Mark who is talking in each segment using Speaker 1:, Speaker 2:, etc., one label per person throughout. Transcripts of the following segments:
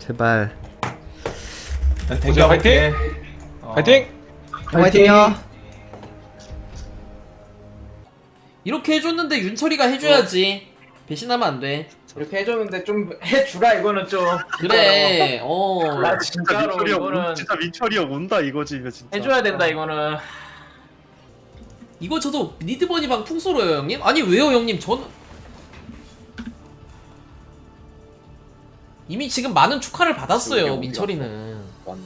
Speaker 1: 제발.
Speaker 2: 보자, 파이팅! 파이팅!
Speaker 1: 화이팅요.
Speaker 3: 이렇게 해줬는데 윤철이가 해줘야지. 배신하면 안 돼.
Speaker 2: 이렇게 해줬는데 좀 해주라 이거는 좀.
Speaker 3: 그래.
Speaker 2: 나 진짜로
Speaker 4: 민철이 형
Speaker 2: 이거는
Speaker 4: 진짜 민철이 형 온다 이거지 이거 진짜.
Speaker 2: 해줘야 된다 이거는.
Speaker 3: 이거 저도 니드버니방 풍소로요 형님? 아니 왜요 형님? 저는 이미 지금 많은 축하를 받았어요.
Speaker 4: 여기
Speaker 3: 민철이는.
Speaker 4: 맞네.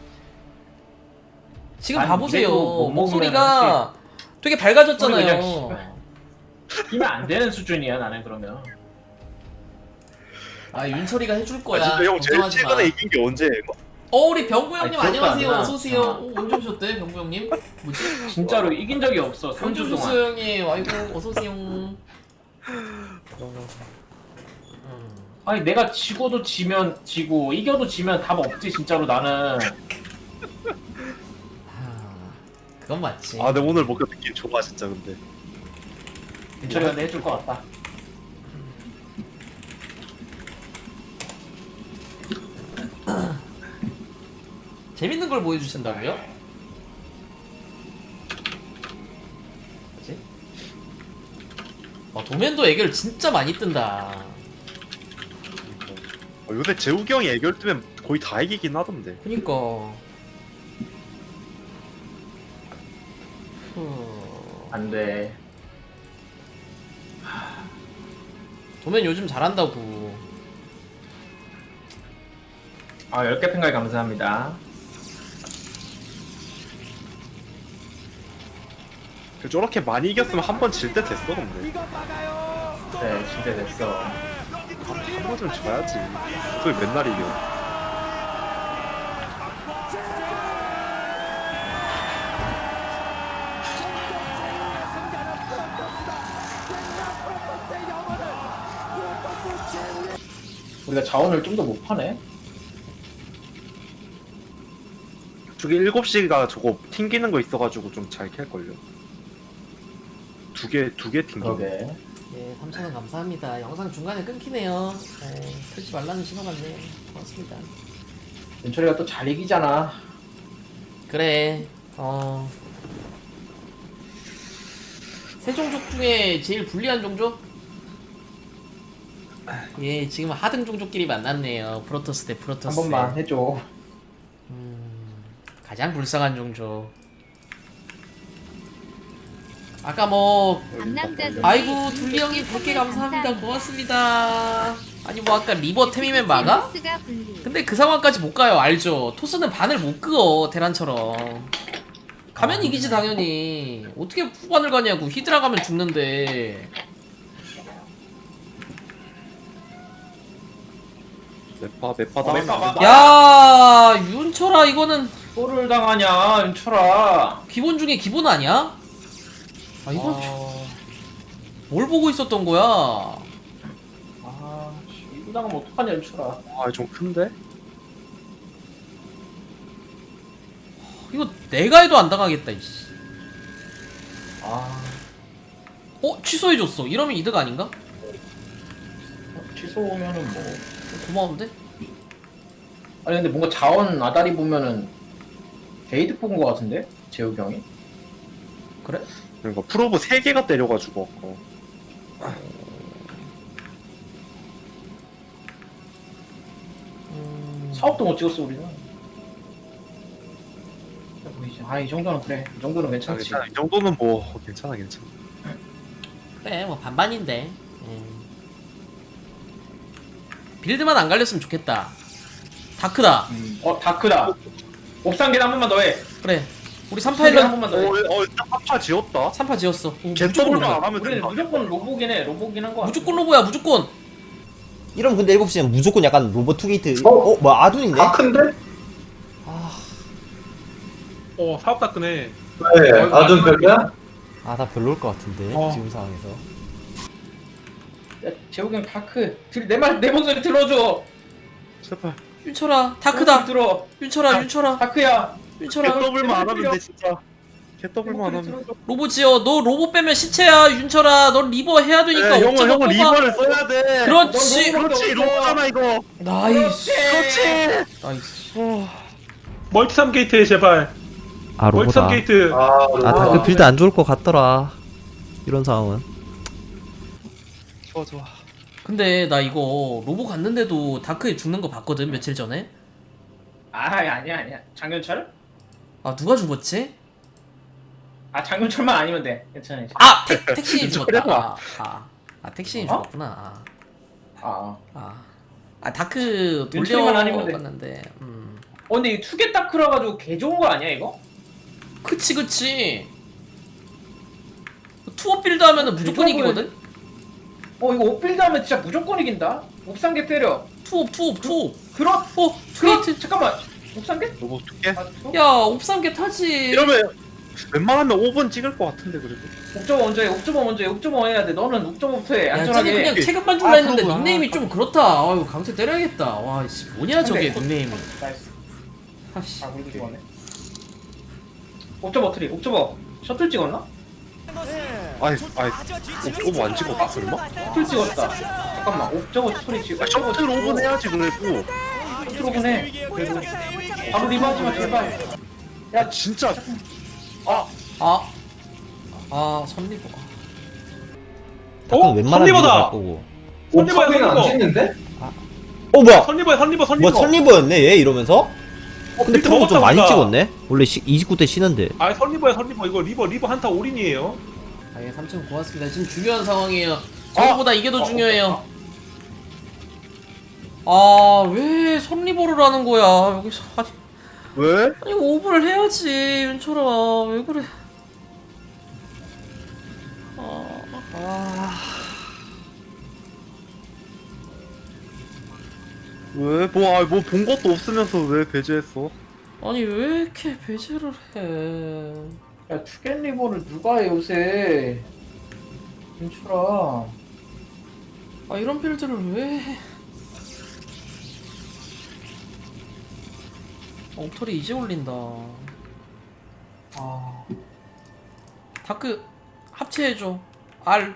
Speaker 3: 지금
Speaker 2: 아니,
Speaker 3: 봐보세요.
Speaker 2: 그래도 못 먹으면
Speaker 3: 목소리가 되게 밝아졌잖아요.
Speaker 2: 이면 안 되는 수준이야 나는 그러면.
Speaker 3: 아 윤철이가 해줄 거야.
Speaker 4: 아 진짜 형 제일
Speaker 3: 걱정하지 마.
Speaker 4: 최근에 이긴 게 언제예요 이거?
Speaker 3: 우리 병구 형님
Speaker 2: 아니, 기억도
Speaker 3: 안녕하세요.
Speaker 2: 안 나.
Speaker 3: 어서 오세요. 언제 오셨대 병구 형님? 뭐지?
Speaker 2: 진짜로 이긴 적이 없어.
Speaker 3: 언제
Speaker 2: 3주 동안.
Speaker 3: 오셨어요 형님? 아이고 어서 오세요.
Speaker 2: 아니 내가 지고도 지면 지고 이겨도 지면 답 없지 진짜로 나는.
Speaker 3: 그건 맞지.
Speaker 4: 아 근데 오늘 뭔가 느낌 좋아 진짜 근데.
Speaker 2: 민철이가 내 해줄 것 같다.
Speaker 3: 재밌는 걸 보여주신다고요? 뭐지? 도면도 애교를 진짜 많이 뜬다.
Speaker 4: 요새 재욱이 형이 애결 뜨면 거의 다 이기긴 하던데.
Speaker 3: 그니까.
Speaker 2: 안 돼.
Speaker 3: 도면 요즘 잘한다고.
Speaker 2: 아 10개 팬가이 감사합니다.
Speaker 4: 저렇게 많이 이겼으면 한 번 질 때 됐어 근데.
Speaker 2: 네 진짜 됐어.
Speaker 4: 한 번 좀 져야지. 또 맨날 이겨.
Speaker 2: 우리가 자원을 좀 더 못 파네.
Speaker 4: 저기 7시가 저거 튕기는 거 있어가지고 좀 잘 캘걸요. 두 개 튕기네.
Speaker 2: 그러게.
Speaker 3: 예, 3,000원 감사합니다. 영상 중간에 끊기네요. 네, 틀지 말라는 신호 같네요. 고맙습니다.
Speaker 2: 민철이가 또 잘 이기잖아.
Speaker 3: 그래, 세 종족 중에 제일 불리한 종족? 예, 지금 하등 종족끼리 만났네요. 프로토스 대 프로토스.
Speaker 2: 한 번만 해줘.
Speaker 3: 가장 불쌍한 종족. 아까 뭐 아이고 둘리 형님 100개 감사합니다. 고맙습니다. 아니 뭐 아까 리버 템이면 막아? 근데 그 상황까지 못 가요. 알죠? 토스는 반을 못 그어 테란처럼. 가면 이기지 당연히. 어떻게 후반을 가냐고. 히드라 가면 죽는데.
Speaker 4: 맵파 다.
Speaker 2: 맵파
Speaker 3: 야 윤철아 이거는
Speaker 2: 골을 당하냐 윤철아.
Speaker 3: 기본 중에 기본 아니야? 아 이건 뭘 보고 있었던 거야?
Speaker 2: 이거 당하면 어떡하냐 윤철아.
Speaker 4: 아좀 큰데?
Speaker 3: 이거 내가 해도 안 당하겠다 이씨. 취소해줬어. 이러면 이득 아닌가?
Speaker 2: 취소면은 뭐.
Speaker 3: 고마운데?
Speaker 2: 아니 근데 뭔가 자원 아다리 보면은 게이드 뽑은 거 같은데? 재욱이 형이?
Speaker 3: 그래?
Speaker 4: 그러니까 프로브 3개가 때려가지고 아까.
Speaker 2: 사업도 못 찍었어 우리는. 이 정도는 그래. 이 정도는 괜찮지.
Speaker 4: 괜찮아. 이 정도는 뭐 괜찮아.
Speaker 3: 그래 뭐 반반인데. 빌드만 안 갈렸으면 좋겠다. 다크다.
Speaker 2: 다크다. 옥상계단 한 번만 더 해.
Speaker 3: 그래 우리 3파
Speaker 2: 한
Speaker 3: 1런
Speaker 2: 번만 더 해.
Speaker 4: 딱 합차 지었다.
Speaker 3: 3파 지었어.
Speaker 4: 갯더블만
Speaker 3: 로보야.
Speaker 4: 안 하면
Speaker 2: 우리는
Speaker 4: 된다.
Speaker 2: 무조건 로보긴 해. 로보긴 한 거.
Speaker 3: 무조건 로보야 무조건.
Speaker 1: 이러면 근데 7시는 무조건 약간 로봇 투게이트. 뭐야 아둔인데?
Speaker 5: 큰데?
Speaker 6: 사업 다크네.
Speaker 5: 네, 아준 별로야?
Speaker 1: 아 다 별로일 것 같은데 지금 상황에서.
Speaker 2: 야, 재욱이 형 다크. 내 목소리 들어줘.
Speaker 4: 제발.
Speaker 3: 윤철아 다크다.
Speaker 2: 들어.
Speaker 3: 윤철아
Speaker 2: 다크야.
Speaker 3: 윤철아.
Speaker 4: 갯더블만 안 하면 돼 진짜. 개더블만 하면.
Speaker 3: 로보 지어. 너 로보 빼면 시체야 윤철아. 넌 리버 해야 되니까
Speaker 4: 네, 형은
Speaker 3: 옵저버
Speaker 4: 형은
Speaker 3: 뽑아.
Speaker 4: 리버를 써야 돼.
Speaker 3: 그렇지.
Speaker 4: 그렇지 로보잖아 이거.
Speaker 3: 나이스.
Speaker 4: 그렇지.
Speaker 3: 나이스.
Speaker 6: 멀티 3게이트에 제발.
Speaker 1: 아
Speaker 6: 멀티
Speaker 1: 로보다.
Speaker 6: 3게이트.
Speaker 1: 아 다크 빌드 안 좋을 것 같더라. 이런 상황은.
Speaker 4: 좋아 좋아.
Speaker 3: 근데 나 이거 로보 갔는데도 다크에 죽는 거 봤거든 며칠 전에.
Speaker 2: 아니야. 장윤철?
Speaker 3: 아 누가 죽었지?
Speaker 2: 아 장윤철만 아니면 돼. 괜찮아.
Speaker 3: 아 택신이 죽었다.
Speaker 4: 저래봐.
Speaker 3: 택신이
Speaker 2: 어?
Speaker 3: 죽었구나.
Speaker 2: 아.
Speaker 3: 다크
Speaker 2: 윤철이만 아니면 돼.
Speaker 3: 돌려봤는데.
Speaker 2: 근데 이 투겟 다크라 가지고 개 좋은 거 아니야 이거?
Speaker 3: 그치. 투어 빌드 하면은 무조건 이기거든.
Speaker 2: 이거 옵빌드 하면 진짜 무조건 이긴다. 옵상계 때려.
Speaker 3: 투업.
Speaker 2: 그렇.
Speaker 3: 투게이트.
Speaker 2: 잠깐만. 옵상계?
Speaker 4: 로보 두께.
Speaker 3: 야 옵삼개 타지.
Speaker 4: 이러면 웬만하면 5분 찍을 것 같은데 그래도.
Speaker 2: 옵저버 먼저 해. 옵저버 해야 돼. 너는 옵저버부터 해.
Speaker 3: 야 쟤는
Speaker 2: 안전하게.
Speaker 3: 그냥 체급만 줄라
Speaker 4: 아,
Speaker 3: 했는데
Speaker 4: 그러구나.
Speaker 3: 닉네임이 좀 그렇다. 아유 강제 때려야겠다. 와 씨 뭐냐 저게
Speaker 2: 근데-
Speaker 3: 닉네임이.
Speaker 2: 나이스.
Speaker 3: 아씨.
Speaker 2: 우리도 찍었네. 옵저버 트리. 옵저버. 셔틀 찍었나?
Speaker 4: 아이 오버 안 찍었어 설마?
Speaker 2: 셔틀 찍었다. 잠깐만. 옵저버 트리 찍어.
Speaker 4: 아 셔틀 5분 해야지 그래도.
Speaker 2: 셔틀 5분 해. 그래도. 바로 리마지마 제발.
Speaker 4: 야 진짜.
Speaker 3: 선리버.
Speaker 1: 다크는 웬만하면
Speaker 6: 선리버다.
Speaker 1: 갈 거고.
Speaker 6: 선리버야
Speaker 5: 안
Speaker 6: 선리버.
Speaker 5: 찍는데?
Speaker 1: 뭐야?
Speaker 6: 선리버.
Speaker 1: 뭐 선리버였네 얘 이러면서? 근데
Speaker 6: 빌드
Speaker 1: 프로도 좀 많이
Speaker 6: 먹었다,
Speaker 1: 찍었네? 원래 29대 쉬는데.
Speaker 6: 아 선리버야 이거 리버 한타 올인이에요.
Speaker 3: 아예 3층 고맙습니다. 지금 중요한 상황이에요. 저거보다 이게 더 중요해요. 왜 선리버를 하는 거야 여기서.
Speaker 4: 왜?
Speaker 3: 아니 오버를 해야지 윤철아 왜 그래.
Speaker 4: 왜? 뭐 본 것도 없으면서 왜 배제했어?
Speaker 3: 아니 왜 이렇게 배제를 해.
Speaker 2: 야 투겟 리버를 누가 해 요새. 윤철아.
Speaker 3: 이런 빌드를 왜 해. 엉터리 이제 올린다. 다크 합체해줘. R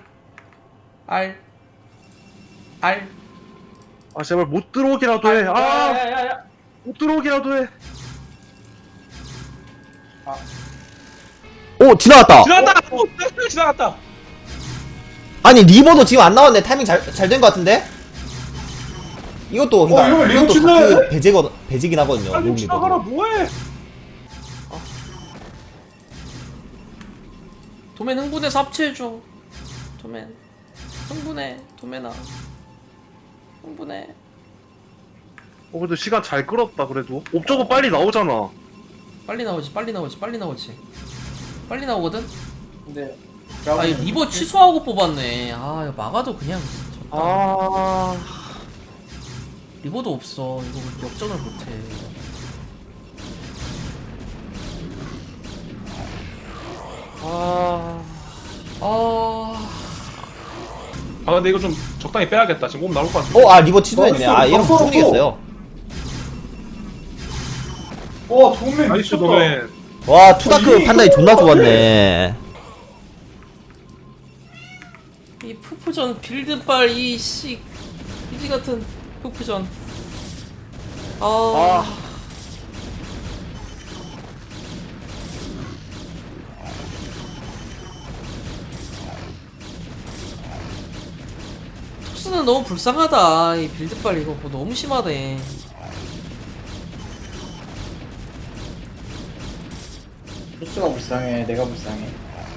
Speaker 4: 아 제발 못 들어오기라도 해.
Speaker 2: 야야야야.
Speaker 4: 못 들어오기라도 해.
Speaker 1: 오 지나갔다.
Speaker 6: 지나갔다.
Speaker 1: 아니 리버도 지금 안 나왔네. 타이밍 잘 된 것 같은데? 이것도 그러니까
Speaker 5: 이거 리버
Speaker 1: 이것도
Speaker 5: 지나가네?
Speaker 1: 다크 배제긴 하거든요.
Speaker 6: 빨리
Speaker 1: 롱
Speaker 6: 지나가라
Speaker 1: 리버도.
Speaker 6: 뭐해?
Speaker 3: 도맨 흥분해서 합체해줘. 도맨 흥분해. 도맨아 흥분해.
Speaker 4: 그래도 시간 잘 끌었다 그래도. 옵저버 빨리 나오잖아.
Speaker 3: 빨리 나오지. 빨리 나오거든?
Speaker 2: 근데.
Speaker 3: 이 리버 취소하고 뽑았네. 이거 막아도 그냥 졌다. 리버도 없어. 이거 역전을 못해.
Speaker 6: 근데 이거 좀 적당히 빼야겠다. 지금 몸 나올 것 같은데.
Speaker 1: 리버 취소했네. 얘는 무조건 이겼어요.
Speaker 5: 정면
Speaker 6: 나이스 노맨.
Speaker 1: 와 투다크 판단이 존나 좋았네.
Speaker 3: 이 푸푸전 빌드빨 이씨 이지 같은 푸푸전. 토스는 너무 불쌍하다. 이 빌드빨 이거 뭐 너무 심하네.
Speaker 2: 토스가 불쌍해. 내가 불쌍해.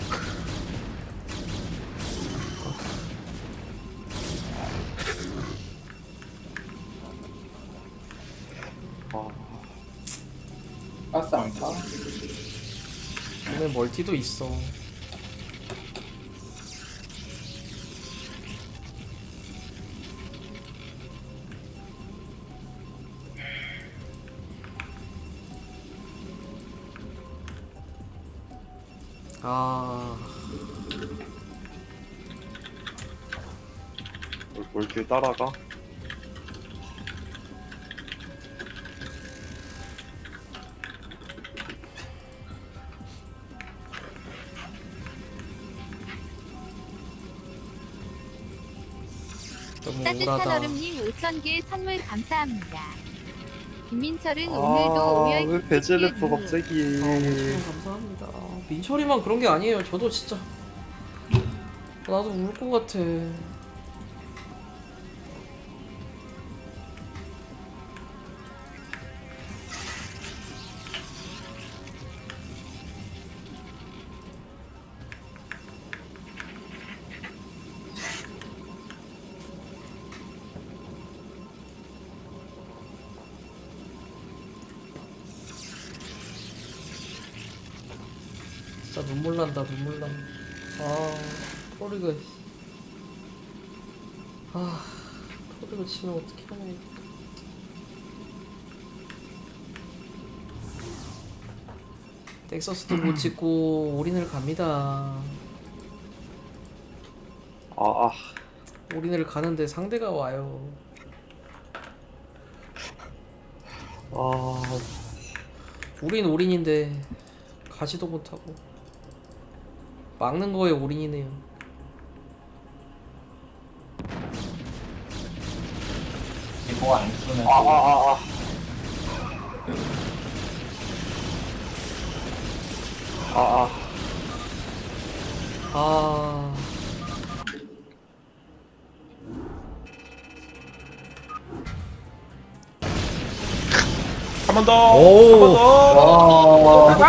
Speaker 2: 가스 안 타?
Speaker 3: 오늘 멀티도 있어.
Speaker 4: 뭘 이렇게 따라가?
Speaker 3: 너무
Speaker 7: 따뜻한
Speaker 3: 우울하다.
Speaker 7: 얼음님 5,000개 선물 감사합니다. 김민철은 오늘도 오열
Speaker 4: 왜 베젤레프 갑자기.
Speaker 3: 감사합니다. 민철이만 그런 게 아니에요. 저도 진짜 나도 울 것 같아. 진짜 눈물 난다, 눈물 나. 프로리그. 프로리그 치면 어떻게 하냐. 넥서스도 못 찍고 올인을 갑니다. 올인을 가는데 상대가 와요. 우린 올인인데 가지도 못하고 막는 거에 올인이네요.
Speaker 2: 리버가 안 쓰면
Speaker 6: 한 번 더.
Speaker 1: 오.
Speaker 6: 한 번 더.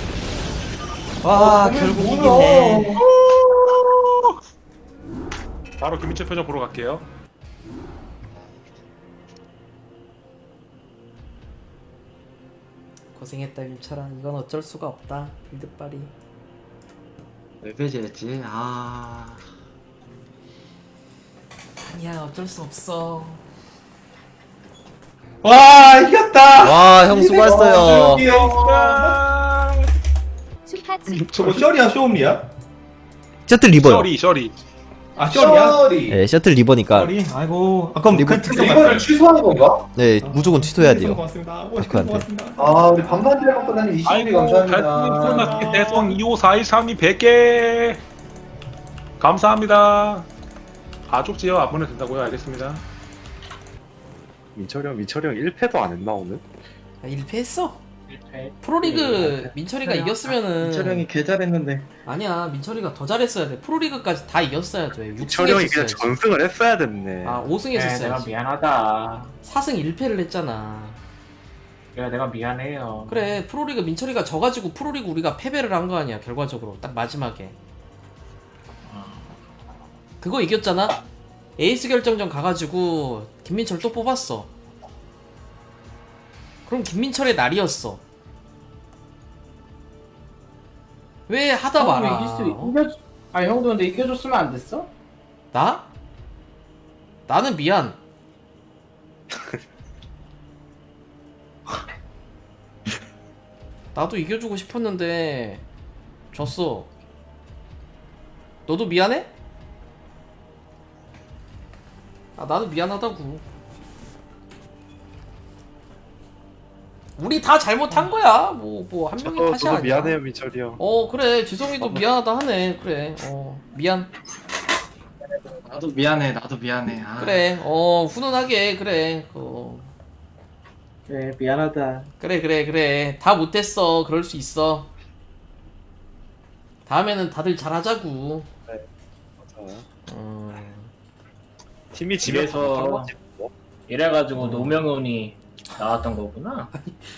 Speaker 1: 와 결국 이기네.
Speaker 6: 바로 김민철 표정 보러 갈게요.
Speaker 3: 고생했다 김철아. 이건 어쩔 수가 없다. 빌드빨이.
Speaker 8: 왜 배제했지?
Speaker 3: 아니야 어쩔 수 없어.
Speaker 5: 와 이겼다.
Speaker 1: 와 형 수고했어요.
Speaker 7: 슈파츠
Speaker 5: 저거 셔리야 쇼음리야?
Speaker 1: 셔틀 리버요.
Speaker 6: 셔리.
Speaker 5: 아 셔리야?
Speaker 2: 셔리.
Speaker 1: 네 셔틀 리버니까
Speaker 5: 셔리. 아이고. 아 그럼
Speaker 1: 리버-
Speaker 2: 이거를 취소하는 건가?
Speaker 1: 네 무조건 취소해야 돼요.
Speaker 5: 고맙습니다.
Speaker 1: 마크한테.
Speaker 5: 고맙습니다.
Speaker 2: 아 우리 반반지를 갖고 다니는 20개
Speaker 6: 아이고
Speaker 2: 감사합니다.
Speaker 6: 달콤한 대성 25413이 100개 감사합니다. 가족지요 안 보내도 된다고요? 알겠습니다.
Speaker 4: 민철이 형 1패도 안 했나 오늘?
Speaker 3: 1패 했어.
Speaker 2: 1패.
Speaker 3: 프로리그 민철이가 이겼으면은
Speaker 2: 민철 형이 개 잘했는데.
Speaker 3: 아니야 민철이가 더 잘했어야 돼. 프로리그까지 다 이겼어야 돼. 6승
Speaker 4: 민철이 형이 그냥
Speaker 3: 했었어야지.
Speaker 4: 전승을 했어야 됐네.
Speaker 3: 5승
Speaker 2: 내가
Speaker 3: 했었어야지.
Speaker 2: 미안하다.
Speaker 3: 4승 1패를 했잖아.
Speaker 2: 그래 내가 미안해요.
Speaker 3: 그래 프로리그 민철이가 져가지고 프로리그 우리가 패배를 한 거 아니야 결과적으로 딱 마지막에. 그거 이겼잖아. 에이스 결정전 가가지고 김민철 또 뽑았어. 그럼 김민철의 날이었어. 왜 하다 말아?
Speaker 2: 아니 형도 근데 이겨줬으면 안 됐어?
Speaker 3: 나? 나는 미안. 나도 이겨주고 싶었는데 졌어. 너도 미안해? 나도 미안하다고. 우리 다 잘못한 거야. 뭐 한 명이 탓이
Speaker 4: 저도
Speaker 3: 아니야.
Speaker 4: 미안해요 민철이 형.
Speaker 3: 그래 지성이도 미안하다 하네. 그래 미안.
Speaker 8: 나도 미안해.
Speaker 3: 그래 훈훈하게 그래.
Speaker 2: 그래 미안하다.
Speaker 3: 그래 다 못했어. 그럴 수 있어. 다음에는 다들 잘하자고.
Speaker 4: 맞아. 팀이
Speaker 2: 집에서
Speaker 4: 집에서 거지 뭐.
Speaker 2: 이래가지고 노명훈이 나왔던 거구나.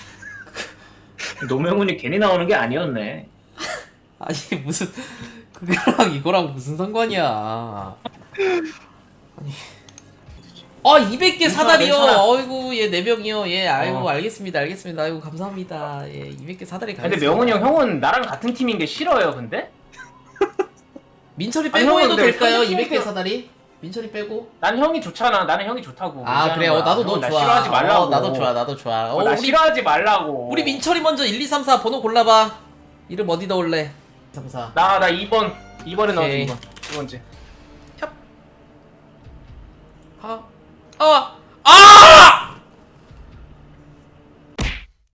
Speaker 2: 노명훈이 괜히 나오는 게 아니었네.
Speaker 3: 아니 무슨 그거랑 이거랑 무슨 상관이야. 아니 200개 사다리요.
Speaker 2: 괜찮아.
Speaker 3: 어이구 얘 4명이요. 예 아이고 알겠습니다. 아이고 감사합니다. 예 200개 사다리 가겠습니다.
Speaker 2: 근데 명훈이 형은 나랑 같은 팀인 게 싫어요. 근데
Speaker 3: 민철이
Speaker 2: 아니,
Speaker 3: 빼고
Speaker 2: 형은
Speaker 3: 해도
Speaker 2: 근데
Speaker 3: 될까요?
Speaker 2: 솔직히
Speaker 3: 200개 사다리? 민철이 빼고?
Speaker 2: 난 형이 좋잖아. 나는 형이 좋다고.
Speaker 3: 그래
Speaker 2: 얘기하는 거야.
Speaker 3: 나도 너
Speaker 2: 형, 나
Speaker 3: 좋아.
Speaker 2: 싫어하지 말라고.
Speaker 3: 나도 좋아.
Speaker 2: 나
Speaker 3: 우리
Speaker 2: 싫어하지 말라고.
Speaker 3: 우리 민철이 먼저 1, 2, 3, 4 번호 골라봐. 이름 어디다 올래? 3, 4.
Speaker 2: 나 2번. 2번에 넣어줘.
Speaker 3: 오케이.
Speaker 2: 2번. 두 번째.
Speaker 3: 아